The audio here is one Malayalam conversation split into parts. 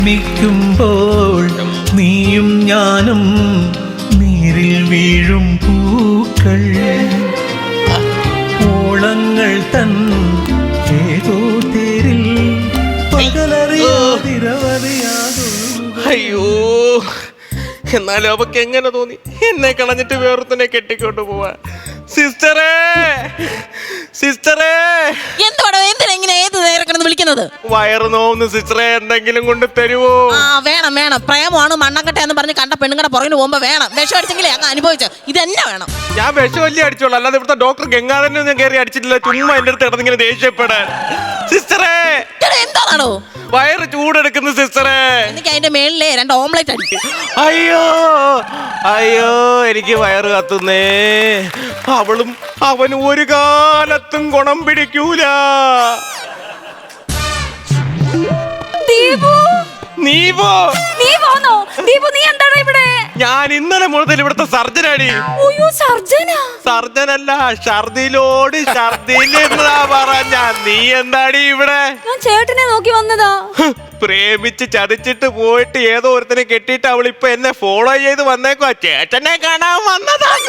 നിൽക്കുമ്പോൾ നീയും ഞാനും നീരിൽ വീഴും പൂക്കൾ ഓളങ്ങൾ തൻ ഏതോ തേരിൽ പകലറിയാതിരവറിയാതോ. അയ്യോ, എന്നാലും അവക്ക് എങ്ങനെ തോന്നി എന്നെ കളഞ്ഞിട്ട് വേറൊരുത്തനെ കെട്ടിക്കൊണ്ട് പോവാ? സിസ്റ്ററേ, സിസ്റ്ററേ, എന്തുവാടോ എന്തിനാ ഇങ്ങനെ ഏത് നേരം കിടന്ന് വിളിക്കുന്നത്? വയറ് നോവുന്നു സിസ്റ്ററെ, എന്തെങ്കിലും കൊണ്ട് തരുവോ? ആ വേണം വേണം, പ്രേമമാണ് മണ്ണക്കട്ട എന്ന് പറഞ്ഞ് കണ്ട പെണ്ണുങ്ങളുടെ പുറകിന് പോകുമ്പോ വേണം. വിഷം അടിച്ചെങ്കിലേ അങ്ങ് അനുഭവിച്ചു. ഇതെന്നെ വേണം. ഞാൻ വിഷമല്ലേ അടിച്ചോളൂ, അല്ലാതെ ഇവിടുത്തെ ഡോക്ടർ ഗംഗാധരനെ ഞാൻ കയറി അടിച്ചിട്ടില്ല. ചുമ്മാ എന്റെ അടുത്ത് കിടന്നിങ്ങനെ ദേഷ്യപ്പെടാൻ. സിസ്റ്ററേ, എന്താണോ വയറ് ചൂടെടുക്കുന്നു സിസ്റ്ററെ. എനിക്ക് അതിന്റെ മേളിലെ 2 ഓംലെറ്റ് അടിക്കും. അയ്യോ അയ്യോ, എനിക്ക് വയറ് കത്തുന്നേ. അവളും അവനും ഒരു കാലത്തും ഗുണം പിടിക്കൂല. ഞാൻ ഇന്നലെ മുതൽ ഇവിടുത്തെ സർജനാടി. സർജനല്ല, ഷർദിലോട് ഷർദിലെന്നാ പറഞ്ഞ. നീ എന്താടി ഇവിടെ? ഞാൻ ചേട്ടനെ നോക്കി വന്നതാ. പ്രേമിച്ച് ചതിച്ചിട്ട് പോയിട്ട് ഏതോ ഒരുത്തനെ കെട്ടിയിട്ട് അവളിപ്പൊ എന്നെ ഫോളോ ചെയ്ത് വന്നേക്കുവാ. ചേട്ടനെ കാണാൻ വന്നതാണ്.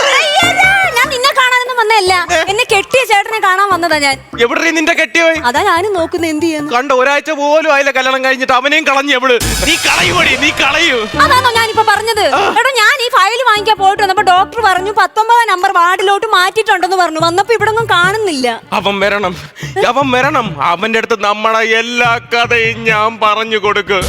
ഞാൻ നിന്നെ കാണാനൊന്നും വന്നതല്ല, എന്നെ കെട്ടിയ ചേട്ടനെ കാണാൻ വന്നതാ ഞാൻ. എവിടെ നിന്റെ കെട്ടിയോയി? അതാ ഞാനും നോക്കുന്ന എന്ത് ചെയ്യുന്നു. കണ്ട ഒരാഴ്ച പോലും ആയില്ല കല്യാണം കഴിഞ്ഞിട്ട് അവനെയും കളഞ്ഞു. എവള് നീ കളയുമോടി, നീ കളയൂ. അതാണോ ഞാനിപ്പോ പറഞ്ഞത്? എടാ, ഞാൻ ഈ ഫയൽ വാങ്ങിക്കാൻ പോയിട്ട് വന്നപ്പോ ഡോക്ടർ പറഞ്ഞു 19 നമ്പർ വാർഡിലോട്ട് മാറ്റിയിട്ടുണ്ടെന്ന് പറഞ്ഞു. വന്നപ്പോ ഇവിടെ ഒന്നും കാണുന്നില്ല. അവൻ വരണം, അവൻ വരണം. അവന്റെ അടുത്ത് നമ്മളെ എല്ലാ കഥയും ഞാൻ പറഞ്ഞു കൊടുക്കും.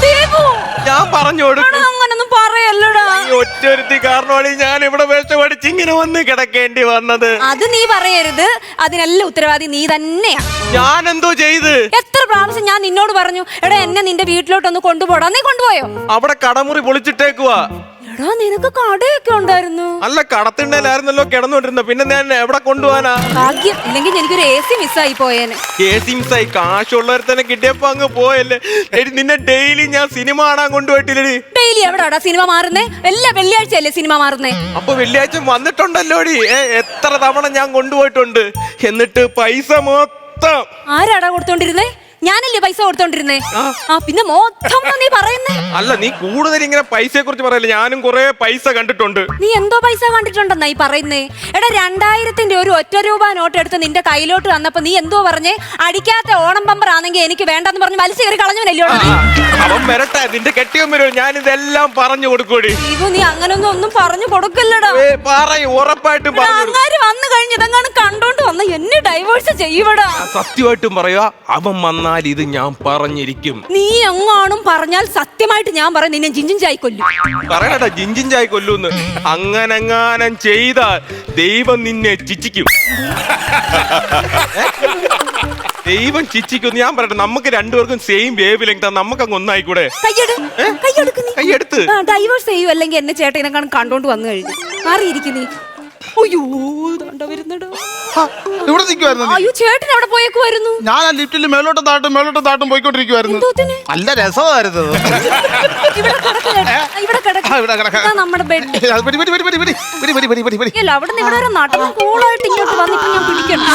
ഞാൻ പറഞ്ഞു കൊടുക്കും. അങ്ങനൊന്നും പറയല്ലടാ. ഒറ്റൊരുത്തി കാരണമാണ് ഞാൻ ഇവിടെ വിഷമടിച്ച് ഇങ്ങനെ വന്ന് കിടക്കേണ്ടി വന്നത്. അത് നീ പറയരുത്. അതിനെല്ലാം ഉത്തരവാദി നീ തന്നെയാ. ഞാൻ എന്തോ ചെയ്ത്? എത്ര പ്രാവശ്യം ഞാൻ നിന്നോട് പറഞ്ഞു, എടാ എന്നെ നിന്റെ വീട്ടിലോട്ടൊന്ന് കൊണ്ടുപോടാ. നീ കൊണ്ടുപോയോ? അവിടെ കടമുറി പൊളിച്ചിട്ടേക്കുവാ. എടാ, നിനക്ക് കടയൊക്കെ ഉണ്ടായിരുന്നു. അല്ല, കടത്തിണ്ടല്ലായിരുന്നല്ലോ കിടന്നോണ്ടിരുന്ന. പിന്നെ ഞാൻ എവിടെ കൊണ്ടുപോവാനാ? ഭാഗ്യം, ഇല്ലെങ്കിൽ എനിക്കൊരു AC മിസ്സായി പോയേനെ. AC മിസ്സായി? കാശുള്ളവർ തന്നെ കിട്ടിയപ്പോ അങ്ങ് പോയല്ലേ. നിന്നെ ഡെയിലി ഞാൻ സിനിമ കാണാൻ കൊണ്ടുപോയിട്ടില്ലേ? Daily എവിടാടാ cinema മാറുന്നേ? എല്ലാ വെള്ളിയാഴ്ചയല്ലേ സിനിമ മാറുന്നേ? അപ്പൊ വെള്ളിയാഴ്ച വന്നിട്ടുണ്ടല്ലോടി. എത്ര തവണ ഞാൻ കൊണ്ടുപോയിട്ടുണ്ട്. എന്നിട്ട് പൈസ മൊത്തം ആരാടാ കൊടുത്തോണ്ടിരുന്നേ? ഞാനല്ലേ പൈസ കൊടുത്തോണ്ടിരുന്നേ? പിന്നെ മൊത്തം നീ പറയുന്നേ? അല്ല, നീ കൂടുതൽ ഇങ്ങനെ പൈസയെ കുറിച്ച് പറയല്ലേ. ഞാനും കുറെ പൈസ കണ്ടിട്ടുണ്ട്. നീ എന്തോ പൈസ കണ്ടിട്ടുണ്ടെന്നാ ഈ പറയുന്നേ? എടാ, 2000-ന്റെ ഒരു ₹1 നോട്ട് എടുത്ത് നിന്റെ കയ്യിലോട്ട് വന്നപ്പോ നീ എന്തോ പറഞ്ഞേ? അടിക്കാത്ത ഓണം ബമ്പർ ആണെങ്കിൽ എനിക്ക് വേണ്ടെന്ന് പറഞ്ഞ് വലിച്ചു കയറി കളഞ്ഞവനല്ലോ. അവൻ വരട്ടെ, നിന്റെ കെട്ടിയവൻ വരും. ഞാൻ ഇതെല്ലാം പറഞ്ഞു കൊടുക്കൂടി. നീ അങ്ങനൊന്നും ഒന്നും പറഞ്ഞു കൊടുക്കില്ലടാ. പറയും, ഉറപ്പായിട്ടും അങ്ങാര് വന്നു കഴിഞ്ഞ് ഇതെങ്ങാനും കണ്ടോണ്ട് വന്ന എന്നെ ഡൈവേഴ്സ് ചെയ്യുവടാ. സത്യമായിട്ടും പറയാ, അവൻ വന്നാൽ ഇത് ഞാൻ പറഞ്ഞിരിക്കും. നീ എങ്ങാനും പറഞ്ഞാൽ സത്യമായിട്ട് ഞാൻ പറയും നിന്നെ ജിഞ്ചിൻ ചായി കൊല്ലും. പറയണ ജിഞ്ചിൻ ചായി കൊല്ലൂന്ന്. അങ്ങനെങ്ങാനും ചെയ്താൽ ദൈവം നിന്നെ ചിച്ചിക്കും. ദൈവം ചിച്ചിക്കും. ഞാൻ പറയട്ടെ, നമുക്ക് രണ്ടുപേർക്കും സെയിം വേവ് ലെങ്ത്. നമുക്ക് അങ്ങ് ഒന്നായിക്കൂടെ? കൈയെടുത്ത് ഡൈവേഴ്സ് ചെയ്യൂ, അല്ലെങ്കിൽ എന്നെ ചേട്ടനെ കണ്ടോണ്ട് വന്നു കഴിഞ്ഞു മാറിയിരിക്കും നീ. അയ്യോ, ഇവിടെ നിൽക്കുവായിരുന്നു. അയ്യോ, ചേട്ടൻ അവിടെ പോയേക്കുമായിരുന്നു. ഞാൻ ആ ലിഫ്റ്റിൽ മേലോട്ടും താട്ടും പോയിക്കൊണ്ടിരിക്കുവായിരുന്നു. നല്ല രസമായിരുന്നു. നമ്മുടെ ബെഡ് അവിടെ നിന്ന് ഇവിടെ നടന്ന് കൂളായിട്ട് ഇങ്ങോട്ട് വന്നിട്ട് ഞാൻ പിടിക്കണം.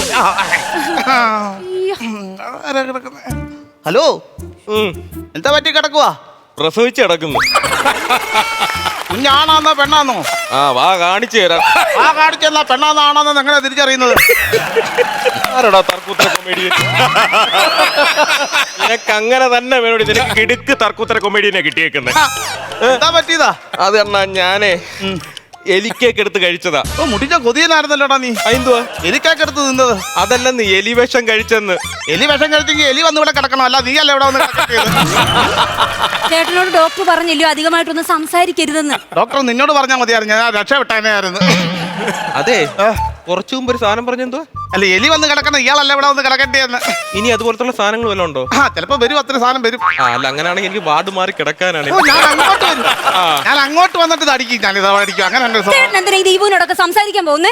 ഹലോ, എന്താ പറ്റി കിടക്കുവാ? പ്രസവിച്ച് കിടക്കുന്നു. കുഞ്ഞാണാന്നോ പെണ്ണാന്നോ? വാ കാണിച്ചു തരാം. കാണിച്ചെന്നാ പെണ്ണാന്നോ ആണാന്നോ എങ്ങനെ തിരിച്ചറിയുന്നത്? ആരടാ തർക്കൂത്തര കൊമേഡിയൻ? നിനക്ക് അങ്ങനെ തന്നെ വേണോടി. നിനക്ക് കിടുക്ക് തർക്കൂത്തര കൊമേഡിയനെ കിട്ടിയേക്കുന്നത്. എന്താ പറ്റിയതാ? അത് എന്നാ ഞാനേ എലിക്കേക്ക് എടുത്ത് കഴിച്ചതാ. മുടിച്ച കൊതിയനായിരുന്നല്ലോടാ നീ. എന്തുവാ എലിക്കേക്ക് എടുത്ത് നിന്നത്? അതല്ലെന്ന്, എലി വിഷം കഴിച്ചെന്ന്. എലി വിഷം കഴിച്ചെങ്കിൽ എലി വന്ന് ഇവിടെ കിടക്കണം, അല്ല നീ അല്ല ഇവിടെ വന്ന് കിടക്കേണ്ടത്. ചേട്ടനോട് ഡോക്ടർ പറഞ്ഞില്ലയോ അധികമായിട്ടൊന്നും സംസാരിക്കരുതെന്ന്? ഡോക്ടർ നിന്നോട് പറഞ്ഞാൽ മതിയായിരുന്നു, ഞാൻ രക്ഷപ്പെട്ടേനായിരുന്നു. അതെ, കുറച്ചു മുമ്പ് ഒരു സാധനം പറഞ്ഞെന്തോ? അല്ല, എലി വന്ന് കിടക്കണം, ഇയാളല്ല ഇവിടെ വന്ന് കിടക്കേണ്ടതെന്ന്. ഇനി അതുപോലത്തുള്ള സാധനങ്ങൾ വല്ലതും ഉണ്ടോ? ചിലപ്പോ വരും, അത്ര സാധനം വരും. അല്ല, അങ്ങനെയാണെങ്കിൽ എനിക്ക് വാർഡ് മാറി കിടക്കാനാണ്. ഞാൻ അങ്ങോട്ട് വന്നിട്ട് അടിക്കും, ഞാൻ ഇതാ അടിക്കും. അങ്ങനെ എന്തിനാ ഈ ദീപുവിനോടൊക്കെ സംസാരിക്കാൻ പോകുന്നേ?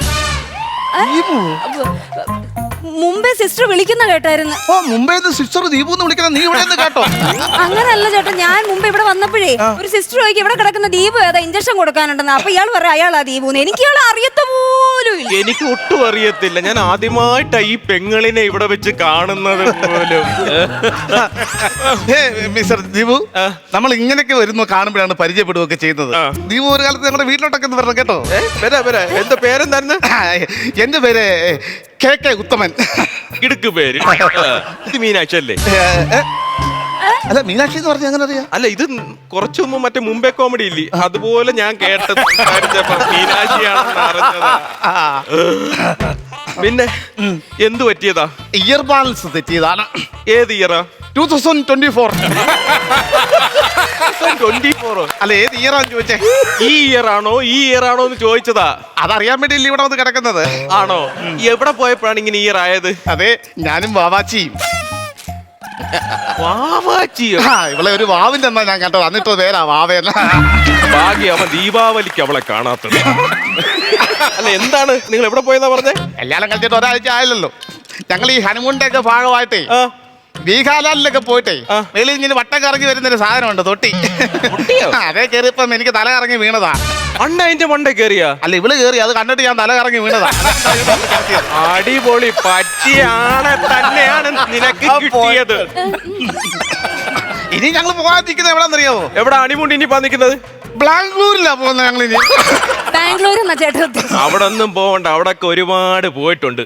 മുമ്പേ സിസ്റ്റർ വിളിക്കുന്ന കേട്ടായിരുന്നു. മുംബൈ സിസ്റ്റർ ദീപു എന്ന് വിളിക്കുന്ന നീ ഇവിടെ കേട്ടോ? അങ്ങനല്ല ചേട്ടാ, ഞാൻ മുമ്പ് ഇവിടെ വന്നപ്പോഴേ ഒരു സിസ്റ്റർ ചോദിക്കും ഇവിടെ കിടക്കുന്ന ദീപു ഏതാ, ഇഞ്ചക്ഷൻ കൊടുക്കാനുണ്ടെന്ന്. അപ്പൊ ഇയാൾ പറയാം അയാളാ ദീപു. എനിക്ക് ഇയാളെ അറിയത്ത പോലും പോലും ഇല്ല. എനിക്ക് ഒട്ടും അറിയത്തില്ല. ഞാൻ ആദ്യമായിട്ടാ ഈ പെങ്ങളിനെ ഇവിടെ വെച്ച് കാണുന്നത് പോലും. മിസ്റ്റർ ദീപു, നമ്മൾ ഇങ്ങനെയൊക്കെ വരുന്നു കാണുമ്പോഴാണ് പരിചയപ്പെടുകയൊക്കെ ചെയ്യുന്നത്. ദീപു ഒരു കാലത്ത് നമ്മുടെ വീട്ടിലോട്ടൊക്കെ ഒന്ന് വരണം കേട്ടോ. വരാ എന്താ പേരെന്തായിരുന്നു? എന്റെ പേര് KK ഉത്തമൻ. ഇടുക്ക് പേര്. ഇത് മീനാക്ഷി അല്ലേ? അല്ല, മീനാക്ഷി എന്ന് പറഞ്ഞാൽ അങ്ങനെ അറിയാം. അല്ല, ഇത് കുറച്ചു മുമ്പ് മറ്റേ മുംബൈ കോമഡി ഇല്ലേ, അതുപോലെ ഞാൻ കേട്ടത് സംസാരിച്ചപ്പോ മീനാക്ഷിയാണെന്ന് അറിഞ്ഞതാ. പിന്നെ എന്തു പറ്റിയതാ? ഇയർ ബാലൻസ് തെറ്റിയതാണ്. ഏത് ഇയറാ? 2024. 24. അല്ല, ഏത് ഇയറാന്ന് ചോദിച്ചേ? ഈ ഇയർ ആണോ എന്ന് ചോദിച്ചതാ. അതറിയാൻ വേണ്ടിയില്ല ഇവിടെ വന്ന് കിടക്കുന്നത്. ആണോ? എവിടെ പോയപ്പോഴാണ് ഇങ്ങനെ ഇയർ ആയത്? അതെ, ഞാനും വാവാച്ചിയും. വാവാച്ചിയോ? ഇവളെ ഒരു വാവിന്റെ എന്നാ ഞാൻ കേട്ടോ. എന്നിട്ട് പേരാ വാവേന. ഭാഗ്യം അവൻ ദീപാവലിക്ക് അവളെ കാണാത്തത്. അല്ല, എന്താണ് നിങ്ങൾ എവിടെ പോയെന്നാ പറഞ്ഞേ? കല്യാണം കഴിച്ചിട്ട് ഒരാഴ്ച ആയില്ലല്ലോ. ഞങ്ങൾ ഈ ഹനുമൂണിന്റെ ഒക്കെ ഭാഗമായിട്ടേ ബീഹാലാലിലൊക്കെ പോയിട്ടേ വെളിയിൽ ഇങ്ങനെ വട്ടം കറങ്ങി വരുന്നൊരു സാധനമുണ്ട്, തൊട്ടി. അതേ കയറിയപ്പം എനിക്ക് തല കറങ്ങി വീണതാ. അണ്ണ അതിന്റെ മണ്ടേ കേറിയാ? അല്ല, ഇവള് കയറി, അത് കണ്ടിട്ട് ഞാൻ തല കറങ്ങി വീണതാ. അടിപൊളി, പറ്റിയാണ് തന്നെയാണ് നിനക്ക് കിട്ടിയത്. ഇനി ഞങ്ങൾ പോകാതിരിക്കുന്നത് എവിടെന്നറിയാവോ? എവിടെ ഹണിമൂൺ ഇനി നിൽക്കുന്നത്? ബാംഗ്ലൂരിലാ പോകുന്നത് ഞങ്ങൾ ഇനി. ബാംഗ്ലൂർ എന്നാ ചേട്ടാ? അവിടെ ഒന്നും പോകണ്ട, അവിടെ ഒരുപാട് പോയിട്ടുണ്ട്.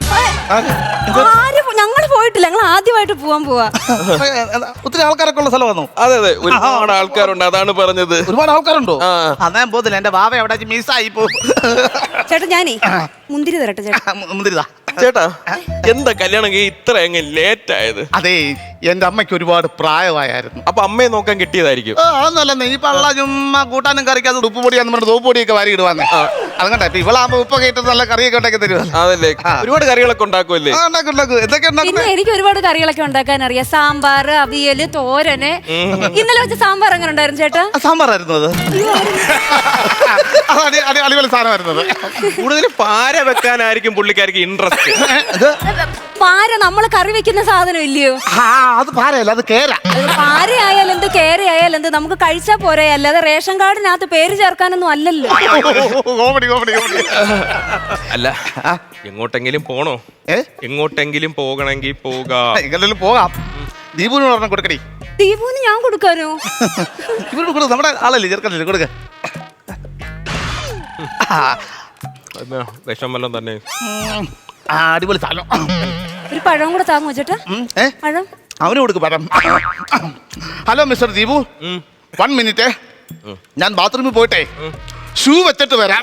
ഞങ്ങൾ പോയിട്ടില്ല, ഞങ്ങൾ ആദ്യമായിട്ട് പോവാ. ഒത്തിരി ആൾക്കാരൊക്കെ ഉള്ള സ്ഥലമാണോ? അതെ, ഒരുപാട് ആൾക്കാരുണ്ട്, അതാണ് പറഞ്ഞത്. ഒരുപാട് ആൾക്കാരുണ്ടോ? ഞാൻ പോകുന്നില്ല, എന്റെ ബാബ എവിടെ മിസ്സായി പോകും. ചേട്ടാ, ഞാനേ മുന്തിരി തരട്ടെ ചേട്ടാ. മുന്തിരിതാ. ചേട്ടാ, എന്താ കല്യാണം ഇത്ര അങ്ങ് ലേറ്റ് ആയത്? അതെ, എന്റെ അമ്മയ്ക്ക് ഒരുപാട് പ്രായമായിരുന്നു. അപ്പൊ അമ്മയെ നോക്കാൻ കിട്ടിയതായിരിക്കും. അതൊന്നുമല്ല, ഈ പള്ള ചുമ്മാ കൂട്ടാനും കറിക്കാതെ ഉപ്പ് പൊടിയാന്ന് പറഞ്ഞിട്ട് തോപ്പ് പൊടിയൊക്കെ വാരി ഇടുവാന്നേ. അതുകൊണ്ടാ ഇപ്പൊ ഇവളാകുമ്പോ ഉപ്പൊക്കെ ഇട്ട് നല്ല കറിയൊക്കെ ഉണ്ടാക്കി തരുവാ. അതല്ലേ, ഒരുപാട് കറികളൊക്കെ ഉണ്ടാക്കുമല്ലേ? എന്തൊക്കെ പിന്നെ എനിക്ക് ഒരുപാട് കറികളൊക്കെ ഉണ്ടാക്കാൻ അറിയാം. സാമ്പാർ, അവിയല്, തോരന്. ഇന്നലെ വെച്ച സാമ്പാർ എങ്ങനെ ഉണ്ടായിരുന്നു ചേട്ടാ? സാമ്പാറായിരുന്നു അത്. അടിപൊളി സാധനമായിരുന്നത്. കൂടുതൽ പാര വെക്കാനായിരിക്കും പുള്ളിക്കാർക്ക് ഇൻട്രസ്റ്റ്. പാര നമ്മള് കറി വെക്കുന്ന സാധനം ഇല്ലയോ? അത് പാരയല്ല, അത് കേര. പാര ആയാലും എന്ത്, കേര ആയാലും എന്ത്, നമുക്ക് കഴിച്ചാ പോരെ. അല്ലാതെ റേഷൻ കാർഡിനകത്ത് പേര് ചേർക്കാനൊന്നും അല്ലല്ലോ. അല്ല, എങ്ങോട്ടെങ്കിലും പോണോ? എങ്ങോട്ടെങ്കിലും പോകണമെങ്കിൽ പോകാം. ദീപുവിന് പറഞ്ഞ കൊടുക്കടി. ദീപുവിന് ഞാൻ കൊടുക്കാനോ? ഇവരോട് കൊടുക്കും, നമ്മുടെ ആളല്ലേ, ചെറുക്കല്ലേ, കൊടുക്ക. വിഷം വല്ലതും തന്നെ. അടിപൊളി സാധനം. ഒരു പഴം കൂടെ താങ്ങോ ചേട്ടാ? പഴം അവന് കൊടുക്കും, പഴം. ഹലോ മിസ്റ്റർ ദീപു, 1 മിനിറ്റ്, ഞാൻ ബാത്റൂമിൽ പോയിട്ടെ ഷൂ വെച്ചിട്ട് വരാം.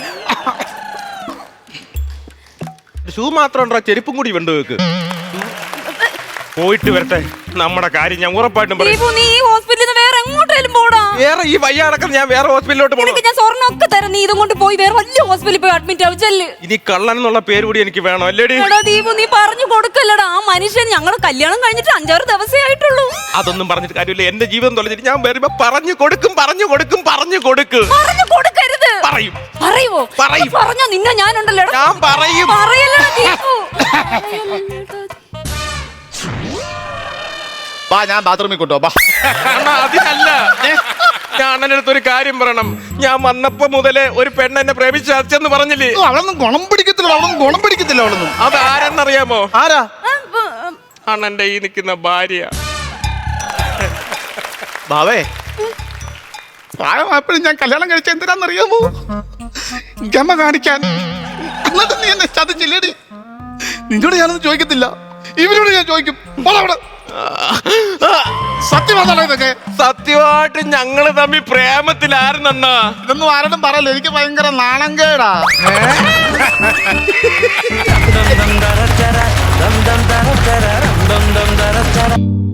ഷൂ മാത്രം ഉണ്ടോ? ചെരുപ്പും കൂടി വേണ്ട വെക്ക്. പോയിട്ട് വരട്ടെ, നമ്മുടെ കാര്യം ഞാൻ ഉറപ്പായിട്ടും പറയും. നീ ഈ ഹോസ്പിറ്റലിൽ നിന്ന് വേറെ എങ്ങോട്ടേലും പോടാ. വേറെ ഈ വയ്യാടക്കം ഞാൻ വേറെ ഹോസ്പിറ്റലിലോട്ട് പോകണം. ഞാൻ സ്വർണ്ണമൊക്കെ തരാം, നീ ഇതും കൊണ്ട് പോയി വേറെ വലിയ ഹോസ്പിറ്റലിൽ പോയി അഡ്മിറ്റ് ആവിച്ചല്ലേ. ഇനി കള്ളൻ എന്നുള്ള പേര് കൂടി എനിക്ക് വേണം, അല്ലേടി? ദീപു, നീ പറഞ്ഞു കൊടുക്കല്ലടാ. ആ മനുഷ്യൻ ഞങ്ങൾ കല്യാണം കഴിഞ്ഞിട്ട് 5-6 ദിവസമേ ആയിട്ടുള്ളൂ. അതൊന്നും പറഞ്ഞിട്ട് കാര്യമില്ല. എന്റെ ജീവിതം തൊലഞ്ഞിട്ട് ഞാൻ വരുമ്പോ പറഞ്ഞു കൊടുക്കും. പറഞ്ഞു കൊടുക്കരുത്. പറയും. പറയുവോ? പറഞ്ഞോ, നിന്നെ ഞാനുണ്ടല്ലോ. ഞാൻ പറയും. പറയല്ലടാ ദീപു. ഞാൻ ബാത്റൂമിൽ കൊണ്ടുപോ. അതിനല്ല, ഞാൻ അണ്ണൻ്റെ അടുത്ത് ഒരു കാര്യം പറയണം. ഞാൻ വന്നപ്പോ മുതലേ ഒരു പെണ്ണ് എന്നെ പ്രേമിച്ചെന്ന് പറഞ്ഞില്ലേ? അവളൊന്നും ഗുണം പിടിക്കത്തില്ല. അത് ആരെന്നറിയാമോ? ആരാ? അണ്ണന്റെ ഈ നിൽക്കുന്ന ഭാര്യ. ബാവേ, പ്രായമായപ്പോഴും ഞാൻ കല്യാണം കഴിച്ച എന്തിനാന്നറിയാമോ? ഗമ കാണിക്കാൻ. എന്നിട്ട് നീ എന്നെ ചതിച്ചില്ലേടി? നിന്നോട് ഞാനൊന്നും ചോദിക്കത്തില്ല, ഇവരോട് ഞാൻ ചോദിക്കും. സത്യമാണോ ഇതൊക്കെ? സത്യമായിട്ട് ഞങ്ങള് തമ്മിൽ പ്രേമത്തിലായിരുന്നണ്ണാ. ഇതൊന്നും ആരോടും പറയല്ലോ, എനിക്ക് ഭയങ്കര നാണം കേടാ.